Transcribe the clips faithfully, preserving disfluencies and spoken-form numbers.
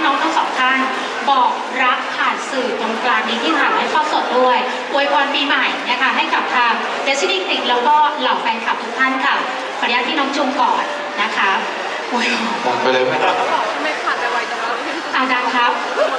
น้องทั้งสองท่านบอกรักผ่านสื่อตรงกลางนี้ที่ถ่ายให้ทอดสดด้วยอวยพรปีใหม่นะคะให้กับทาง Destiny Click แล้วก็เหล่าแฟนคลับทุกท่านค่ะขออนุญาตที่น้องจุงก่อนนะคะอวยพรไปเลยไหมครับไม่ขาดไปไวจังเลยอาจารย์ครับ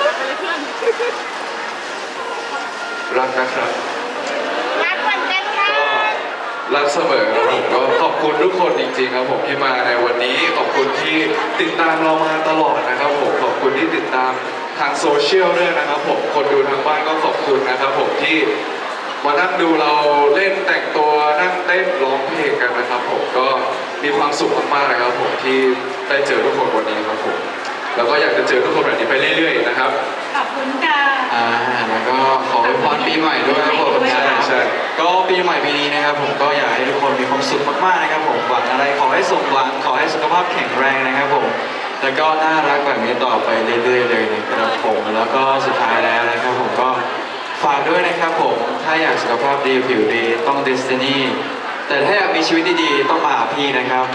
รักนะครับรักเหมือนกันค่ะก็รักเสมอครับผมก็ขอบคุณทุกคนจริงๆครับผมที่มาในวันนี้ขอบคุณที่ติดตามเรามาตลอดนะครับผมขอบคุณที่ติดตามทางโซเชียลด้วยนะครับผมคนดูทางบ้านก็ขอบคุณนะครับผมที่มานั่งดูเราเล่นแต่งตัวนั่งเต้นร้องเพลงกันนะครับผมก็มีความสุขมากๆนะครับผมที่ได้เจอทุกคนวันนี้ครับผมแล้วก็อยากจะเจอทุกคนแบบนี้ไปเรื่อยๆนะครับขอบคุณค่ะอ่าแล้วก็ขออวยพรปีใหม่ด้วยครับผมปีใหม่ด้วยใช่ใช่ก็ปีใหม่ปีนี้นะครับผมก็อยากให้ทุกคนมีความสุขมากๆนะครับผมหวังอะไรขอให้สมหวังขอให้สุขภาพแข็งแรงนะครับผมแล้วก็น่ารักแบบนี้ต่อไปเรื่อยๆเลยนะครับผมแล้วก็สุดท้ายแล้วนะครับผมก็ฝากด้วยนะครับผมถ้าอยากสุขภาพดีผิวดีต้อง Destiny แต่ถ้าอยากมีชีวิตดีๆต้องมาหาพี่นะครับ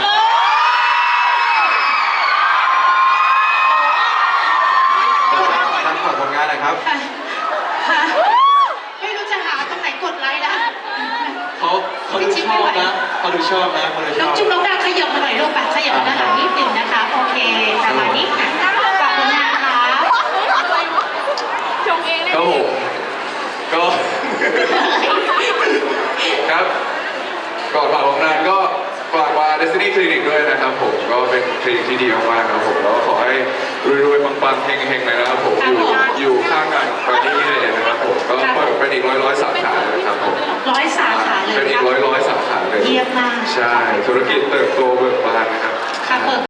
ฝากผลงานนะครับฮะไม่รู้จะหาตรงไหนกดไลค์นะเขาเขาดูชอบนะเขาดูชอบนะเขาดูชน้อองบจุ๊บน้องดาวขยับมาหน่อยลูกแบบขยับมาหานิดหนึ่งนะคะ โอเคประมาณนี้ค่ะฝากผลงานค่ะชงเองเลยครับผมก็ครับก่อนฝากผลงานก็ฝากมา Destiny Clinic ด้วยนะครับผมก็เป็นคลินิกที่ดีมากๆครับผมแล้วก็ขอให้รวยๆปังๆเฮงๆเลยนะครับผมอยู่อยู่ข้างกันไปที่นี่เลยนะครับผมก็เปิดเป็นอีกร้อยร้อยๆสาขาเลยครับผมร้อยสาขาเลยเป็นอีกร้อยร้อยๆสาขาเลยเยี่ยมมากใช่ธุรกิจเติบโตเบิกบานนะครับค่ะเปิด